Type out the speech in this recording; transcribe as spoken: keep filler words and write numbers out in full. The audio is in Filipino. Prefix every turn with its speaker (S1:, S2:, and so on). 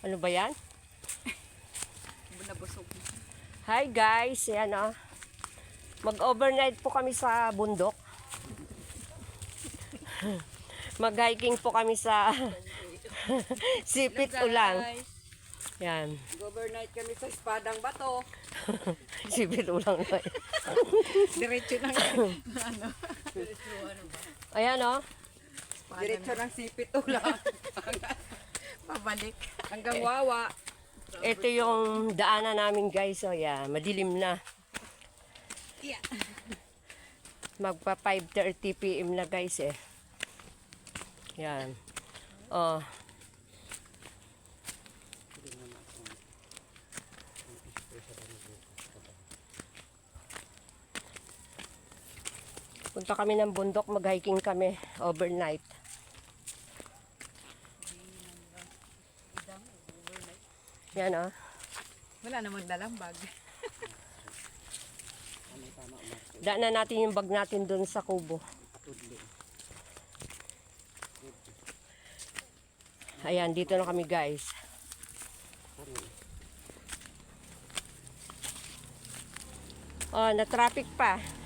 S1: Ano ba yan?
S2: Nabusog.
S1: Hi guys, ayan o. Mag-overnight po kami sa bundok. Mag-hiking po kami sa Sipit Ulang. Yan.
S2: Overnight kami sa Espadang Bato.
S1: Sipit Ulang na yan.
S2: Diretso ng ano?
S1: Ayan o.
S2: Diretso ng Sipit Ulang. Pabalik. Hanggang Wawa.
S1: Ito yung daanan namin guys. O yan, madilim na.
S2: Yeah.
S1: Magpa five thirty p m na guys eh. Yan. Oh. Punta kami ng bundok, mag-hiking kami overnight. Yan ah.
S2: Wala namang dalang bag.
S1: Daanan natin yung bag natin dun sa kubo. Ayan, dito na kami guys. Oh, na-traffic pa.